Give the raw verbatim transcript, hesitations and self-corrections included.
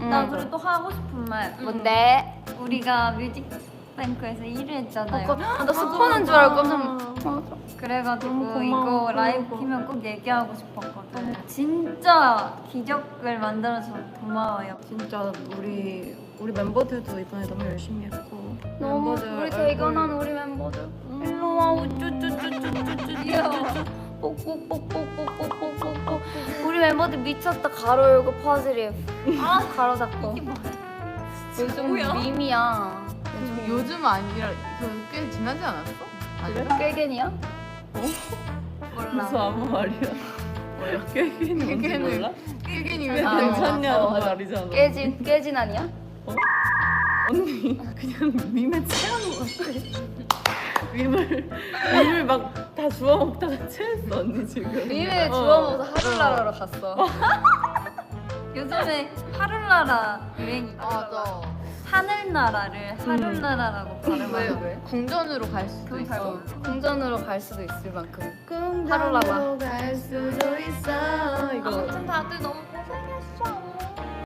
나 그리고 또 하고 싶은 말. 뭔데? 우리가 뮤직뱅크에서 일 위 했잖아요. 어, 나 스포는 줄 알고 깜짝 맞아. 그래가지고 너무 이거 고마워, 라이브 고마워. 키면 꼭 얘기하고 싶었거든. 진짜 기적을 만들어서 고마워요. 진짜 우리 우리 멤버들도 이번에 너무 열심히 했고 너무 멤버들 우리 얼굴- 대견한 우리 멤버들. 일로 와 우쭈쭈쭈쭈쭈쭈 귀여워. 뽁뽁뽁뽁뽁뽁뽁뽁뽁. 우리 멤버들 미쳤다. 가로 열고 퍼즐이 아 가로 잡고. 요즘 뭐야? 밈이야. 요즘 아니라 그 꽤 지나지 않았어? 아닌가? 꾀겐이야? 몰라. 무슨 아무 말이야. 뭐야? 깨기는 뭔지 깨기는 몰라? 깨겐이 아, 왜 괜찮냐는 어, 맞아. 말이잖아. 깨진 깨진 아니야? 언니 그냥 밈에 체한 것 같아. 밈을 밈을 막 다 주워 먹다가 체했어 언니 지금. 밈에 어. 주워 먹어서 하늘나라로 갔어. 요즘에 하룰나라 유행이. 맞아. 하늘나라를 하룰나라라고 발음하는 왜? 궁전으로 갈 수도 그건 잘 있어. 모르겠어. 궁전으로 갈 수도 있을 만큼. 하루라마. 갈 수도